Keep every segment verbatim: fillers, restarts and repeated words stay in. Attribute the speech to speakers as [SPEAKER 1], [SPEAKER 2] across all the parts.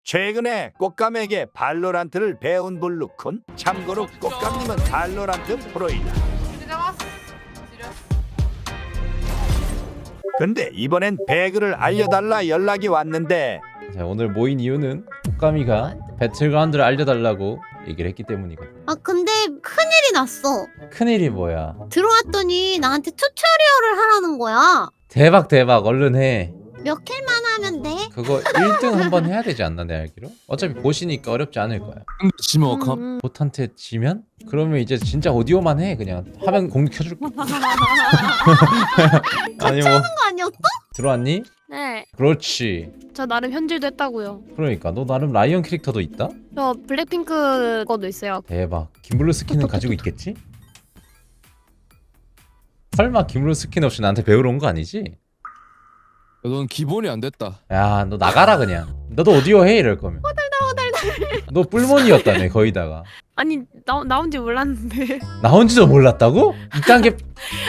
[SPEAKER 1] 최근에 꽃감에게 발로란트를 배운 블루쿤. 참고로 꽃감님은 발로란트 프로이다.
[SPEAKER 2] 지려왔어. 지렸어.
[SPEAKER 1] 근데 이번엔 배그를 알려달라 연락이 왔는데
[SPEAKER 3] 자, 오늘 모인 이유는 꽃가미가 배틀그라운드를 알려달라고 얘기를 했기 때문이거든.
[SPEAKER 4] 아 근데 큰일이 났어.
[SPEAKER 3] 큰일이 뭐야?
[SPEAKER 4] 들어왔더니 나한테 튜토리얼을 하라는 거야.
[SPEAKER 3] 대박 대박 얼른 해.
[SPEAKER 4] 몇 킬만 하면 돼?
[SPEAKER 3] 그거 일 등 한번 해야 되지 않나 내 알기로? 어차피 보시니까 어렵지 않을 거야.
[SPEAKER 5] 지면 어감?
[SPEAKER 4] 음,
[SPEAKER 3] 보트한테 지면? 그러면 이제 진짜 오디오만 해. 그냥 화면 공유 켜줄게. 아니 뭐
[SPEAKER 4] 하는 거 아니었어?
[SPEAKER 3] 들어왔니?
[SPEAKER 6] 네,
[SPEAKER 3] 그렇지.
[SPEAKER 6] 저 나름 현질도 했다고요.
[SPEAKER 3] 그러니까 너 나름 라이언 캐릭터도 있다?
[SPEAKER 6] 저 블랙핑크 거도 있어요.
[SPEAKER 3] 대박. 김블루 스킨은 가지고 있겠지? 설마 김블루 스킨 없이 나한테 배우러 온 거 아니지?
[SPEAKER 5] 넌 기본이 안 됐다.
[SPEAKER 3] 야 너 나가라 그냥. 너도 오디오 해 이럴 거면. 너 뿔몬이었다며 거의다가.
[SPEAKER 6] 아니 나 나온지 몰랐는데.
[SPEAKER 3] 나온지도 몰랐다고? 이딴 게.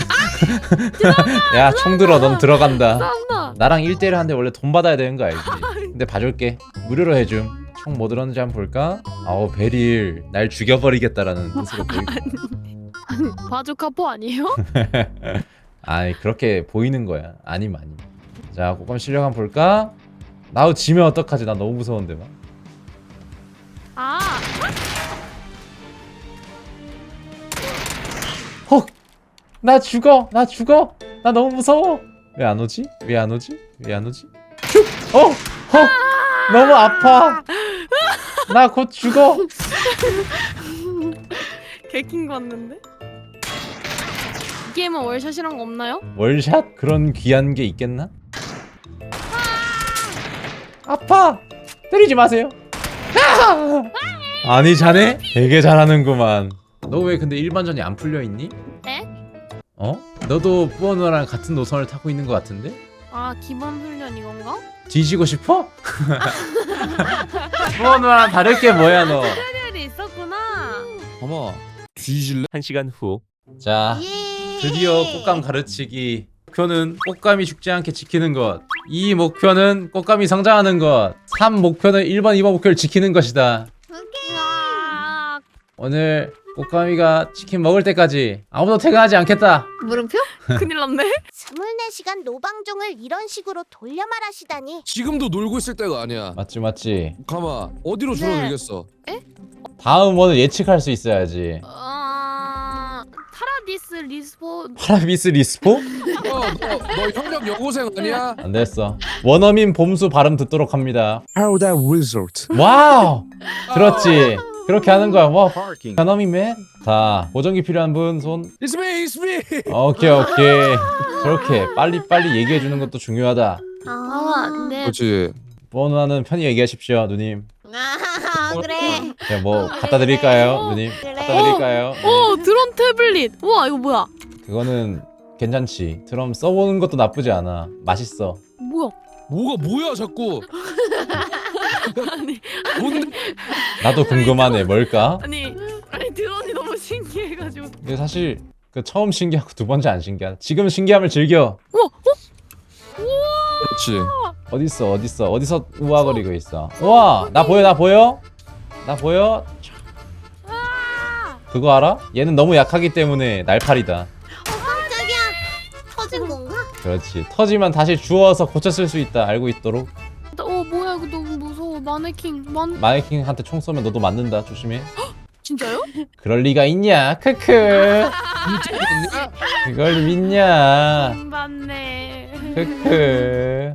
[SPEAKER 3] 야 총 들어 넌 들어간다.
[SPEAKER 6] 싸운다.
[SPEAKER 3] 나랑 일 대일 하는데 원래 돈 받아야 되는 거 알지? 근데 봐줄게. 무료로 해줌. 총 뭐 들었는지 한번 볼까? 아우 베릴 날 죽여버리겠다라는 뜻으로 보이고.
[SPEAKER 6] 아니 바주 카포 아니에요?
[SPEAKER 3] 아이 그렇게 보이는 거야. 아님 아님. 자 꽃감 실력 한번 볼까? 나도 지면 어떡하지? 나 너무 무서운데 막.
[SPEAKER 6] 아,
[SPEAKER 3] 헉! 나 죽어! 나 죽어! 나 너무 무서워! 왜 안 오지? 왜 안 오지? 왜 안 오지? 슉! 어! 헉! 너무 아파! 나 곧 죽어!
[SPEAKER 6] 개킹 봤는데. 이 게임은 월샷이란 거 없나요?
[SPEAKER 3] 월샷? 그런 귀한 게 있겠나? 아파! 때리지 마세요! 아! 아니 자네? 되게 잘하는구만. 너 왜 근데 일반전이 안 풀려있니?
[SPEAKER 6] 에?
[SPEAKER 3] 어? 너도 뿌어누랑 같은 노선을 타고 있는 것 같은데?
[SPEAKER 6] 아 기본 훈련 이건가?
[SPEAKER 3] 뒤지고 싶어? 뿌어누랑 다를 게 뭐야 너.
[SPEAKER 6] 튜토리얼이 있었구나.
[SPEAKER 5] 아마 뒤질래?
[SPEAKER 7] 한 시간 후.
[SPEAKER 3] 자
[SPEAKER 4] 예.
[SPEAKER 3] 드디어 꽃감 가르치기. 목표는 꽃감이 죽지 않게 지키는 것. 이 목표는 꽃감이 성장하는 것. 삼 목표는 일 번 이 번 목표를 지키는 것이다.
[SPEAKER 4] 오케이.
[SPEAKER 6] 아,
[SPEAKER 3] 오늘 꽃감이가 치킨 먹을 때까지 아무도 퇴근하지 않겠다.
[SPEAKER 4] 물음표?
[SPEAKER 6] 큰일 났네.
[SPEAKER 8] 스물네 시간 노방종을 이런 식으로 돌려 말하시다니.
[SPEAKER 5] 지금도 놀고 있을 때가 아니야.
[SPEAKER 3] 맞지 맞지.
[SPEAKER 5] 가마 어디로 줄어들겠어?
[SPEAKER 3] 다음 원을 예측할 수 있어야지.
[SPEAKER 6] 어... 파라디스 리스폰.
[SPEAKER 3] 파라비스 리스포?
[SPEAKER 5] 너너 너 협력 여고생 아니야?
[SPEAKER 3] 안 됐어. 원어민 봄수 발음 듣도록 합니다.
[SPEAKER 5] How that result?
[SPEAKER 3] 와우! 들었지? 그렇게 하는 거야. 와, 원어민맨. 자, 보정기 필요한 분 손.
[SPEAKER 5] It's me, it's me.
[SPEAKER 3] 오케이 오케이. 저렇게 빨리 빨리 얘기해 주는 것도 중요하다.
[SPEAKER 6] 아, 네.
[SPEAKER 5] 그렇지.
[SPEAKER 3] 번호는 편히 얘기하십시오, 누님.
[SPEAKER 4] 아 그래.
[SPEAKER 3] 네, 뭐 갖다 드릴까요, 누님?
[SPEAKER 4] 그래.
[SPEAKER 3] 갖다 드릴까요?
[SPEAKER 6] 오 드론 태블릿. 우와 이거 뭐야?
[SPEAKER 3] 그거는 괜찮지. 드럼 써보는 것도 나쁘지 않아. 맛있어.
[SPEAKER 6] 뭐야?
[SPEAKER 5] 뭐가 뭐야 자꾸?
[SPEAKER 6] 아니
[SPEAKER 5] 뭔데?
[SPEAKER 3] 나도 궁금하네. 뭘까?
[SPEAKER 6] 아니 아니 드론이 너무 신기해가지고.
[SPEAKER 3] 근데 사실 그 처음 신기하고 두 번째 안 신기하다. 지금 신기함을 즐겨.
[SPEAKER 6] 우와 어?
[SPEAKER 5] 그렇지.
[SPEAKER 3] 어딨어 어딨어 어디서 우아거리고 있어. 우와 나 보여 나 보여? 나 보여? 그거 알아? 얘는 너무 약하기 때문에 날파리다.
[SPEAKER 4] 어 깜짝이야. 터진 건가?
[SPEAKER 3] 그렇지. 터지면 다시 주워서 고쳐 쓸 수 있다. 알고 있도록.
[SPEAKER 6] 어 뭐야 이거 너무 무서워. 마네킹 만
[SPEAKER 3] 마네킹한테 총 쏘면 너도 맞는다. 조심해.
[SPEAKER 6] 진짜요?
[SPEAKER 3] 그럴 리가 있냐? 크크. 그걸 믿냐?
[SPEAKER 6] 안 봤네.
[SPEAKER 3] 크크.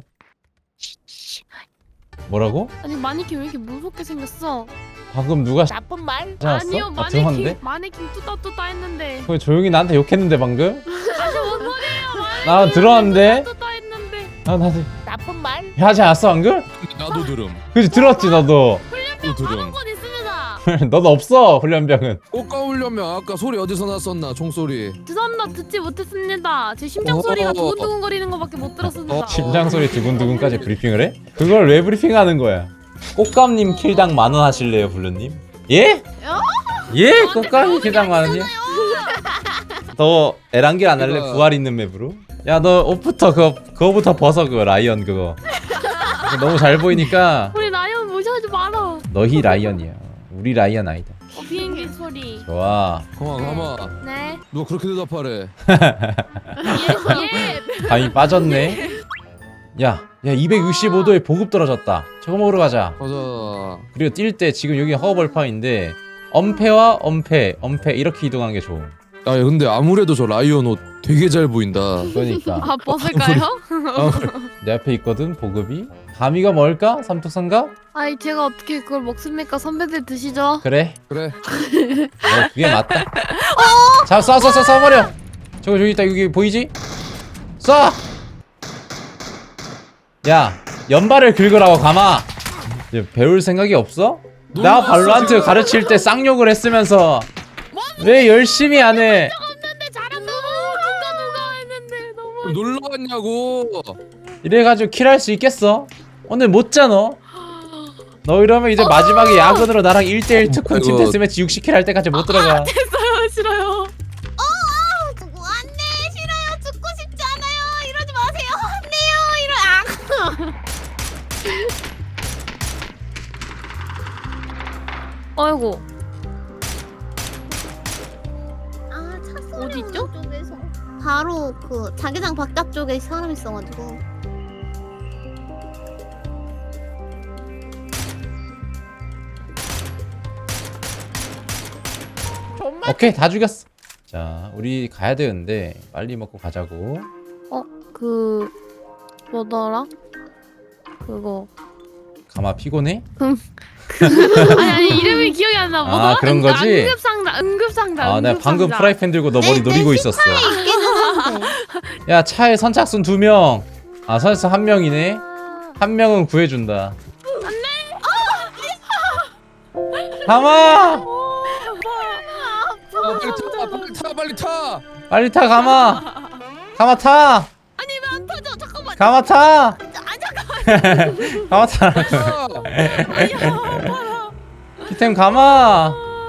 [SPEAKER 3] 뭐라고?
[SPEAKER 6] 아니 마네킹 왜 이렇게 무섭게 생겼어?
[SPEAKER 3] 방금 누가
[SPEAKER 8] 나쁜 말.
[SPEAKER 3] 하지 않았어?
[SPEAKER 6] 아니요
[SPEAKER 3] 아
[SPEAKER 6] 마네킹
[SPEAKER 3] 들어봤는데?
[SPEAKER 6] 마네킹 뚜따뚜따 했는데.
[SPEAKER 3] 왜 조용히 나한테 욕했는데 방금?
[SPEAKER 6] 아니 뭔 소리예요? 마네킹
[SPEAKER 3] 나 들어왔는데?
[SPEAKER 6] 뚜따뚜따 했는데.
[SPEAKER 3] 아 나도
[SPEAKER 8] 나쁜 말.
[SPEAKER 3] 하지 않았어 방금?
[SPEAKER 5] 나도 들음.
[SPEAKER 3] 그치 들었지 너도.
[SPEAKER 5] 나도 들음.
[SPEAKER 6] 하는 건 있습니다.
[SPEAKER 3] 너는 없어 훈련병은.
[SPEAKER 5] 꽃가 울려면 아까 소리 어디서 났었나? 총소리.
[SPEAKER 6] 죄송합니다 듣지 못했습니다. 제 심장 소리가
[SPEAKER 5] 어.
[SPEAKER 6] 두근두근거리는 것밖에 못 들었습니다.
[SPEAKER 5] 어.
[SPEAKER 3] 심장 소리 두근두근까지 브리핑을 해? 그걸 왜 브리핑하는 거야? 꽃감님 킬당 만 원 하실래요 블루님? 예? 예? 꽃감님 킬당 만 원이요? 너 에란길 안 할래?
[SPEAKER 5] 이거-
[SPEAKER 3] 부활 있는 맵으로? 야 너 옷부터 그거 그거부터 벗어 그거 라이언 그거. 그거 너무 잘 보이니까
[SPEAKER 6] 우리 라이언 무시하지 마.
[SPEAKER 3] 너희 라이언이야. 우리 라이언 아니다.
[SPEAKER 6] 어, 비행기 소리.
[SPEAKER 3] 좋아.
[SPEAKER 5] 가만 가만.
[SPEAKER 6] 네.
[SPEAKER 5] 누가 그렇게 대답하래?
[SPEAKER 6] 예.
[SPEAKER 3] 감이 빠졌네. 야, 야 이백육십오 도에 보급 떨어졌다. 저거 먹으러 가자.
[SPEAKER 5] 가자.
[SPEAKER 3] 그리고 뛸 때 지금 여기 허벌판인데 엄폐와 엄폐, 엄폐 이렇게 이동하는 게 좋음.
[SPEAKER 5] 야 근데 아무래도 저 라이언 옷 되게 잘 보인다.
[SPEAKER 3] 그러니까
[SPEAKER 6] 아 벗을까요?
[SPEAKER 3] 내 앞에 있거든 보급이. 감이가 뭘까? 삼뚝선가?
[SPEAKER 6] 아이 제가 어떻게 그걸 먹습니까? 선배들 드시죠.
[SPEAKER 3] 그래.
[SPEAKER 5] 그래.
[SPEAKER 3] 어, 그게 맞다. 자, 쏴, 쏴, 쏴, 쏴버려. 저거 저기 있다. 여기 보이지? 쏴. 야, 연발을 긁으라고 감아. 이제 배울 생각이 없어? 나
[SPEAKER 5] 놀랐어,
[SPEAKER 3] 발로란트
[SPEAKER 5] 지금.
[SPEAKER 3] 가르칠 때 쌍욕을 했으면서 왜 열심히 안 해?
[SPEAKER 6] 없는데 잘한다. 누가 누가 했는데 너무.
[SPEAKER 5] 놀러 왔냐고.
[SPEAKER 3] 이래가지고 킬할 수 있겠어? 오늘 못 자 너. 너 이러면 이제 마지막에 야근으로 나랑 일 대일 특훈
[SPEAKER 5] 이거-
[SPEAKER 3] 팀 데스매치 육십 킬 할 때까지 못 들어가.
[SPEAKER 6] 싫어요 싫어요.
[SPEAKER 4] 죽고 안돼 싫어요 죽고 싶지 않아요 이러지 마세요 안돼요 이러 아
[SPEAKER 6] 아이고.
[SPEAKER 4] 아, 차 소리
[SPEAKER 6] 어디 있죠?
[SPEAKER 4] 오는 쪽에서 바로 그 자기장 바깥쪽에 사람 있어가지고
[SPEAKER 3] 오케이 다 죽였어. 자 우리 가야 되는데 빨리 먹고 가자고.
[SPEAKER 6] 그 뭐더라? 그거.
[SPEAKER 3] 가마 피곤해?
[SPEAKER 6] 아니 아니 이름이 기억이 안 나. 뭐더라?
[SPEAKER 3] 아, 그런 거지?
[SPEAKER 6] 응급상자 응급상자.
[SPEAKER 3] 아 내가 방금
[SPEAKER 6] 응급상자.
[SPEAKER 3] 프라이팬 들고 너 머리
[SPEAKER 4] 내-
[SPEAKER 3] 노리고
[SPEAKER 4] 내
[SPEAKER 3] 있었어.
[SPEAKER 4] 있기는 한데
[SPEAKER 3] 야 차에 선착순 두 명. 아 선착순 한 명이네. 한 명은 구해준다. 가마!
[SPEAKER 5] 아, 빨리 타. 빨리 타. 빨리 타.
[SPEAKER 3] 빨리 타 가마. 가마 타.
[SPEAKER 4] 아니 왜 안 터져 잠깐만
[SPEAKER 3] 가마 타.
[SPEAKER 4] 아 잠깐
[SPEAKER 3] 가마 타.
[SPEAKER 5] 타.
[SPEAKER 3] 키템 가마.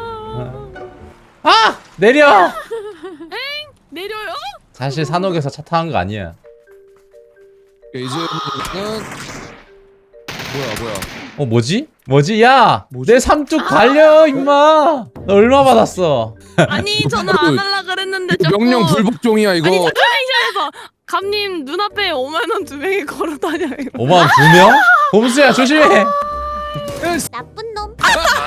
[SPEAKER 3] 아 내려.
[SPEAKER 6] 내려요?
[SPEAKER 3] 사실 산옥에서 차 타는 거 아니야.
[SPEAKER 5] 이제는 뭐야 뭐야.
[SPEAKER 3] 어 뭐지? 뭐지? 야!
[SPEAKER 5] 뭐지?
[SPEAKER 3] 내 삼뚝 갈려 임마! 너 얼마 받았어?
[SPEAKER 6] 아니 저는 안 할라 그랬는데 자꾸.
[SPEAKER 5] 명령 불복종이야 이거.
[SPEAKER 6] 아니 잠깐만요. 감님 눈앞에 오만 원 두 명이 걸어 다녀요.
[SPEAKER 3] 오만 원 두 명? 봄수야 조심해!
[SPEAKER 4] 나쁜 놈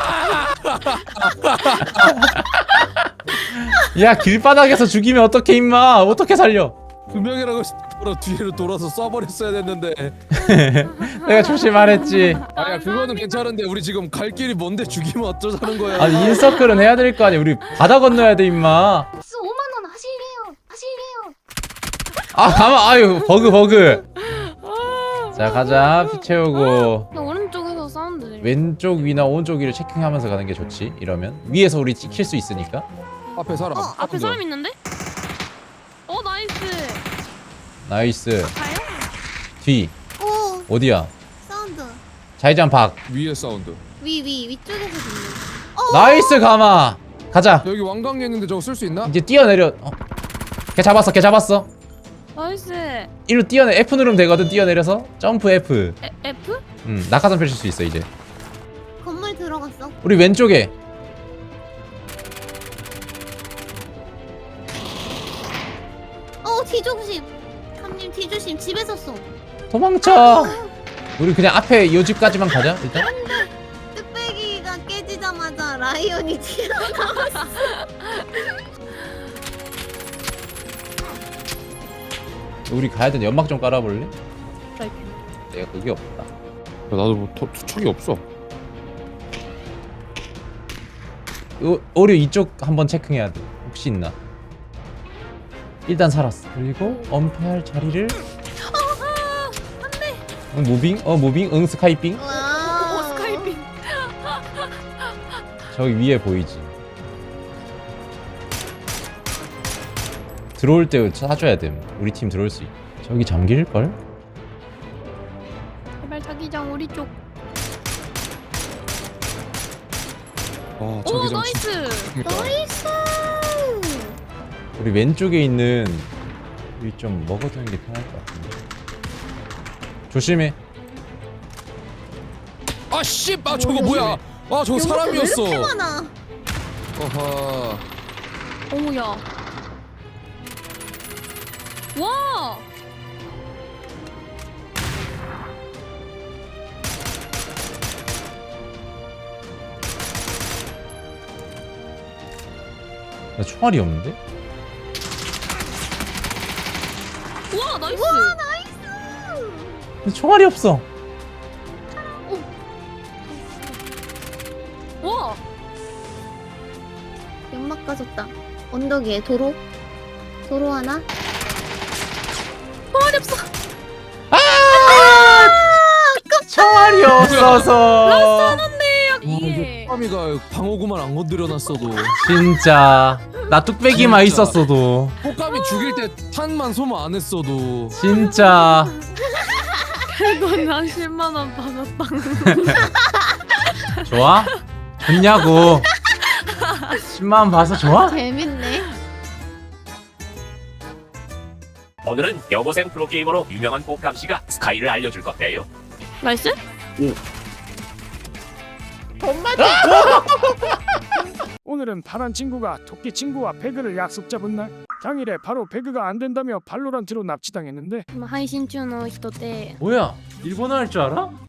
[SPEAKER 3] 야 길바닥에서 죽이면 어떡해 임마! 어떻게 살려?
[SPEAKER 5] 두 명이라고 바로 뒤로 돌아서 쏴버렸어야 됐는데.
[SPEAKER 3] 내가 조심 안 했지.
[SPEAKER 5] 아야 그거는 괜찮은데 우리 지금 갈 길이 뭔데 죽이면 어쩌자는 거야.
[SPEAKER 3] 아니 인서클은 해야 될 거 아니야. 우리 바다 건너야 돼 임마.
[SPEAKER 4] 오만 원 하실래요 하실래요
[SPEAKER 3] 아 가만 아유 버그 버그. 자 가자 피 채우고.
[SPEAKER 6] 나 오른쪽에서 사운드 들려.
[SPEAKER 3] 왼쪽 위나 오른쪽 위를 체킹하면서 가는 게 좋지. 이러면 위에서 우리 찍힐 수 있으니까.
[SPEAKER 5] 앞에 사람.
[SPEAKER 4] 어,
[SPEAKER 6] 앞에 사람 있는데? 어 나이스.
[SPEAKER 3] 나이스.
[SPEAKER 6] 가요?
[SPEAKER 3] 뒤
[SPEAKER 4] 오
[SPEAKER 3] 어디야?
[SPEAKER 4] 사운드
[SPEAKER 3] 자이장 박.
[SPEAKER 5] 위에 사운드.
[SPEAKER 4] 위 위 위쪽에서 듣는
[SPEAKER 3] 나이스 가마. 가자.
[SPEAKER 5] 여기 왕관이 있는데 저거 쓸 수 있나?
[SPEAKER 3] 이제 뛰어내려. 어. 걔 잡았어. 걔 잡았어.
[SPEAKER 6] 나이스. 에,
[SPEAKER 3] 이리로 뛰어내. F 누르면 되거든. 뛰어내려서 점프 F.
[SPEAKER 6] F?
[SPEAKER 3] 음 낙하산 펼칠 수 있어 이제.
[SPEAKER 4] 건물 들어갔어
[SPEAKER 3] 우리 왼쪽에.
[SPEAKER 4] 어 뒤조심 감님 뒤조심 집에서 쏘
[SPEAKER 3] 도망쳐. 우리 그냥 앞에 이 집까지만 가자 일단.
[SPEAKER 4] 뚝배기가 깨지자마자 라이온이 튀어나왔어
[SPEAKER 3] 우리 가야 되는 연막 좀 깔아볼래?
[SPEAKER 6] 프라이팬.
[SPEAKER 3] 내가 그게 없다.
[SPEAKER 5] 야, 나도 뭐 터, 투척이 없어.
[SPEAKER 3] 요, 오류 이쪽 한번 체크해야 돼. 혹시 있나? 일단 살았어. 그리고 엄폐할 자리를. 응, 무빙? 어 무빙? 응 스카이빙?
[SPEAKER 6] 오
[SPEAKER 4] 와
[SPEAKER 6] 스카이핑.
[SPEAKER 3] 저기 위에 보이지? 들어올 때 사줘야 됨. 우리 팀 들어올 수 있. 저기 잠길걸?
[SPEAKER 6] 제발 자기장 우리 쪽.
[SPEAKER 5] 아
[SPEAKER 6] 오
[SPEAKER 5] 자기장
[SPEAKER 6] 나이스.
[SPEAKER 4] 나이스
[SPEAKER 3] 우리 왼쪽에 있는 우리 좀 먹어두는 게 편할 것 같은데. 조심해.
[SPEAKER 5] 아 아씨, 아 저거 뭐야? 아 저거 사람이었어.
[SPEAKER 4] 왜 이렇게 많아?
[SPEAKER 5] 어허.
[SPEAKER 6] 어머야. 와.
[SPEAKER 3] 나 총알이 없는데?
[SPEAKER 6] 와 나이스.
[SPEAKER 4] 와 나이스.
[SPEAKER 3] 나 총알이 없어.
[SPEAKER 6] 와.
[SPEAKER 4] 연막 까졌다. 언덕 위에 도로. 도로 하나.
[SPEAKER 6] 총알이 없어.
[SPEAKER 3] 총알이 없어서.
[SPEAKER 6] 이게.
[SPEAKER 5] 꼬까미가 방어구만 안 건드려놨어도.
[SPEAKER 3] 진짜 나 뚝배기만
[SPEAKER 5] 진짜.
[SPEAKER 3] 있었어도.
[SPEAKER 5] 꼬까미 죽일 때 탄만 소모 안 했어도.
[SPEAKER 3] 진짜
[SPEAKER 6] 이건 난 십만 원 받았다.
[SPEAKER 3] 좋아? 좋냐고. 십만 원 봐서 좋아?
[SPEAKER 4] 재밌네.
[SPEAKER 7] 오늘은 여고생 프로게이머로 유명한 꽃감씨가 스카이를 알려줄 건데요.
[SPEAKER 6] 나이스?
[SPEAKER 9] 오늘은 파란 친구가 토끼 친구와 배그를 약속 잡은 날. 당일에 바로 배그가 안 된다며 발로란트로 납치당했는데
[SPEAKER 6] 配信中の人で
[SPEAKER 3] 뭐야? 일본어 할 줄 알아?